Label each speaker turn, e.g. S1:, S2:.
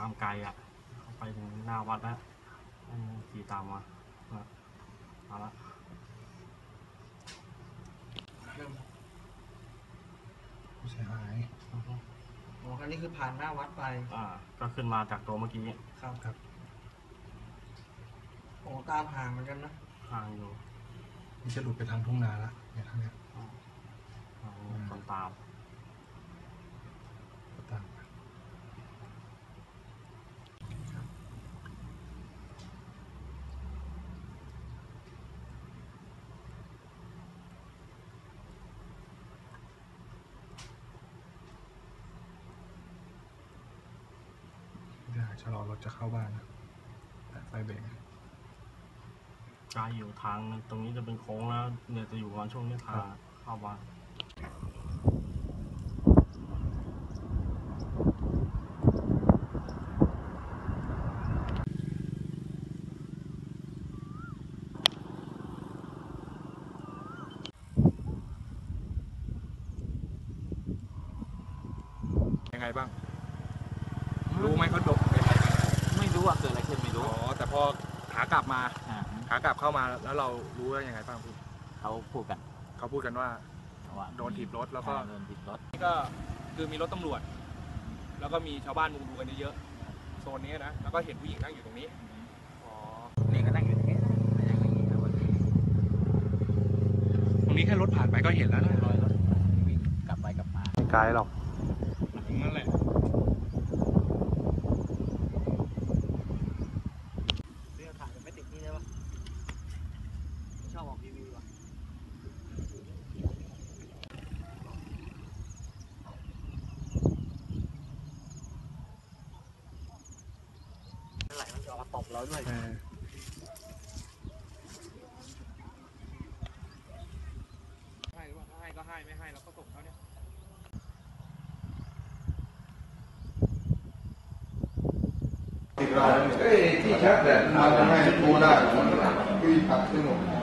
S1: ามไกลอ่ะไปถึงหน้าวัดแล้วขี่ตามมาละ
S2: ผู้เสียหาย
S3: อ๋ออันนี้คือผ่านหน้าวัดไป
S1: ก็ขึ้นมาจากตัวเมื่อกี้
S3: ครับโอ้ตามห่างเหมือนกันนะ
S1: ห่างอยู่
S2: นี่จะหลุดไปทางทุ่งนาละเนี่ยทางเนี้ย
S1: คนตาม
S2: ชะลอรถจะเข้าบ้านนะแต่ไฟเบรก
S1: ไกลอยู่ทางตรงนี้จะเป็นโค้งแล้วเนี่ยจะอยู่วันช่วงนี้ทางเข้าบ้าน
S2: ยังไงบ้างรู้ไหมเขาดก
S4: ไม่รู้ว่าเกิดอะไรขึ้นไม่รู้
S2: แต่พอขากลับเข้ามาแล้วเรารู้ว่ายังไงบ้างพี่
S4: เขาพูดกันว่า
S2: โดนถีบรถแล้วก็
S4: โดนถีบรถ
S2: นี่ก็คือมีรถตำรวจแล้วก็มีชาวบ้านมุงดูกันเยอะๆโซนนี้นะแล้วก็เห็นผู้หญิงนั่งอยู่ตรงนี้
S4: นี่ก็นั่งอยู่ตรงนี้
S2: ตรงนี้แค่รถผ่านไปก็เห็นแล้วนะ
S4: รอยรถวิ่งกลับไปกลับมา
S1: ไม่ไกลหรอก
S2: นั่นแหละ
S3: เรื่องถ่ายไม่ติดนี่ได้ปะชอบออกทีวีวะไหลมันจะมาตบเราด้วย
S2: ให้ว่าให้ก็ให้ไม่ให้เราก็ส่งเขาเนี่ย
S5: ที่ชัดแหละมาทำให้ดูได้คุยผักสนุก